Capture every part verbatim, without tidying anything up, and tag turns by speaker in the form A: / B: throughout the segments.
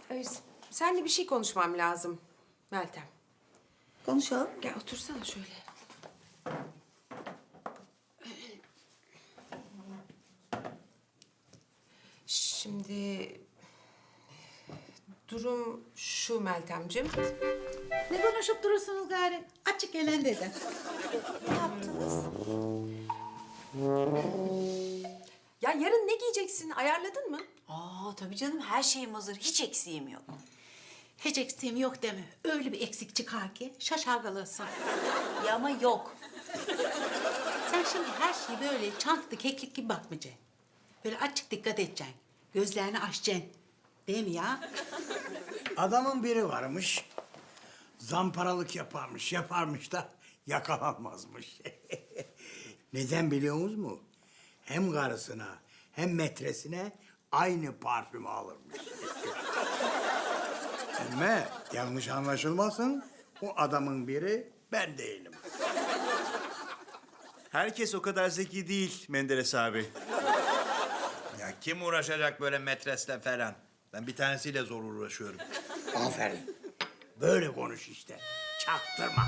A: Ee, Seninle bir şey konuşmam lazım Meltem.
B: Konuşalım.
A: Gel otursana şöyle. Şimdi durum şu Meltemciğim.
B: Ne konuşup durursunuz gari? Açık gelen dedi.
C: Ne yaptınız?
A: Ya yarın ne giyeceksin? Ayarladın mı?
C: Aa tabii canım, her şeyim hazır. Hiç eksiğim yok.
B: Hiç eksiğim yok deme. Öyle bir eksik çıkar ki şaşar kalırsın.
C: Ya ama yok.
B: Sen şimdi her şeyi böyle çantlı keklik gibi bakmayacaksın. Böyle açık dikkat edeceksin. Gözlerini açacaksın. Değil mi ya?
D: Adamın biri varmış. Zamparalık yaparmış, yaparmış da yakalanmazmış. Neden biliyor musunuz mu? Hem karısına hem metresine aynı parfümü alırmış. Ama yanlış anlaşılmasın, o adamın biri ben değilim.
E: Herkes o kadar zeki değil Menderes abi.
F: Ya kim uğraşacak böyle metresle falan? Ben bir tanesiyle zor uğraşıyorum.
D: Aferin. Böyle konuş işte. Çaktırma.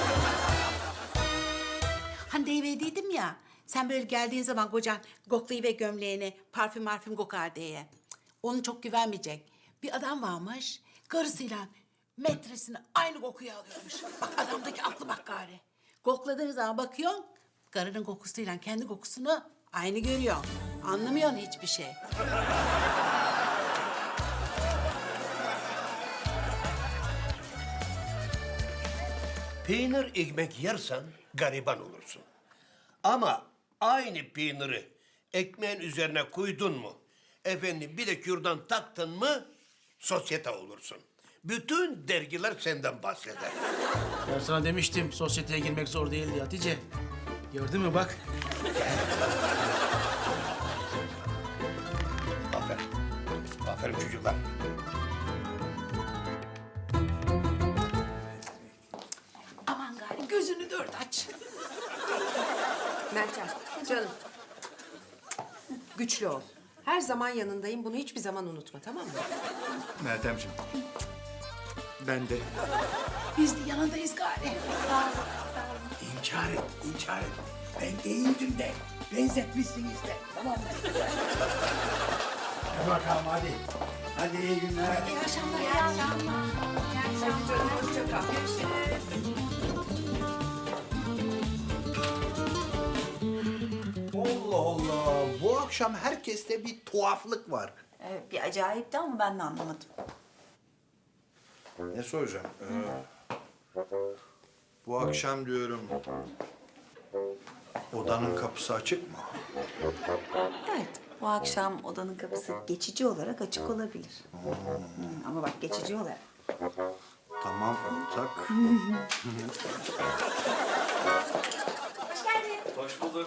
B: Hani deyivediydim ya. Sen böyle geldiğin zaman kocan koklayı ve gömleğini parfüm marfüm kokar diye. Cık, Onu çok güvenmeyecek. Bir adam varmış. Karısıyla metresini aynı kokuyu alıyormuş. Bak adamdaki aklı bak gari. Kokladığın zaman bakıyorsun. Karının kokusuyla kendi kokusunu aynı görüyorsun. Anlamıyorsun hiçbir şey.
G: Peynir ekmek yersen gariban olursun. Ama aynı peyniri ekmeğin üzerine koydun mu, efendim bir de kürdan taktın mı sosyete olursun. Bütün dergiler senden bahseder.
H: Ben sana demiştim sosyeteye girmek zor değil diye Hatice. Gördün mü bak.
G: Aferin. Aferin çocuklar.
B: Aman gari gözünü dört aç.
A: Meltem, canım. Güçlü ol. Her zaman yanındayım. Bunu hiçbir zaman unutma, tamam mı?
E: Meltemciğim. Ben de.
B: Biz de yanındayız gari.
D: İnkar et, inkar et. Ben değildim de, benzetmişsiniz de. Tamam mı? Hadi bakalım hadi. Hadi iyi günler.
B: İyi akşamlar. İyi akşamlar.
A: Hadi canım, hoşça kal. Görüşürüz.
F: Allah Allah. Bu akşam herkeste bir tuhaflık var.
C: Evet, bir acayipti ama ben de anlamadım.
F: Ne soracağım? Ee, bu akşam diyorum... Odanın kapısı açık mı?
C: Evet, bu akşam odanın kapısı geçici olarak açık olabilir. Hı, ama bak geçici olarak.
F: Tamam, ortak.
H: Hoş bulduk.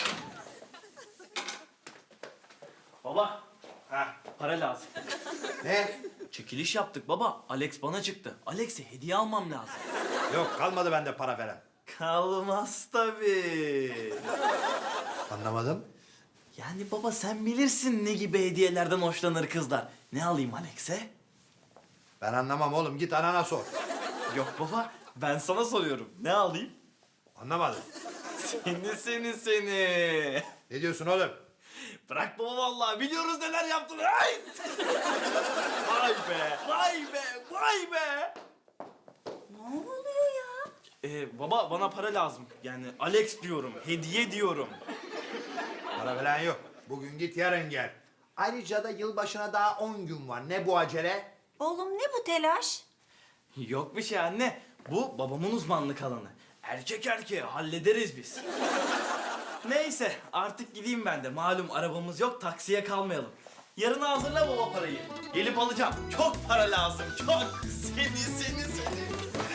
H: Baba.
E: Ha.
H: Para lazım.
F: Ne?
H: Çekiliş yaptık baba. Alex bana çıktı. Alex'e hediye almam lazım.
F: Yok, kalmadı bende para veren.
H: Kalmaz tabii.
F: Anlamadım.
H: Yani baba sen bilirsin ne gibi hediyelerden hoşlanır kızlar. Ne alayım Alex'e?
F: Ben anlamam oğlum, git anana sor.
H: Yok baba ben sana soruyorum. Ne alayım?
F: Anlamadım.
H: Seni seni seni.
F: Ne diyorsun oğlum?
H: Bırak baba vallahi biliyoruz neler yaptın. Ay! Vay be, vay be, vay be.
C: Ne oluyor ya?
H: Ee, baba bana para lazım. Yani Alex diyorum, hediye diyorum.
F: Para falan yok. Bugün git, yarın gel. Ayrıca da yılbaşına daha on gün var. Ne bu acele?
C: Oğlum ne bu telaş?
H: Yok bir şey anne. Bu babamın uzmanlık alanı. Erkek erkeğe hallederiz biz. Neyse artık gideyim ben de. Malum arabamız yok, taksiye kalmayalım. Yarın hazırla baba parayı. Gelip alacağım. Çok para lazım, çok. Seni, seni, seni.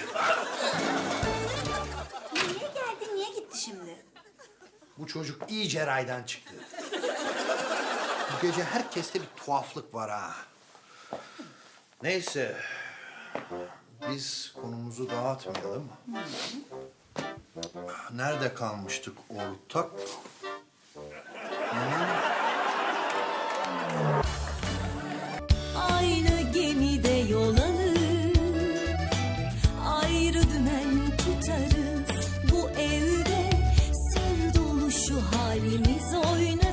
C: Niye geldi, niye gitti şimdi?
F: Bu çocuk iyice raydan çıktı. Bu gece herkeste bir tuhaflık var ha. Neyse. Biz konumuzu dağıtmayalım. Nerede kalmıştık ortak?
I: Aynı gemide yol kalbimiz oynar.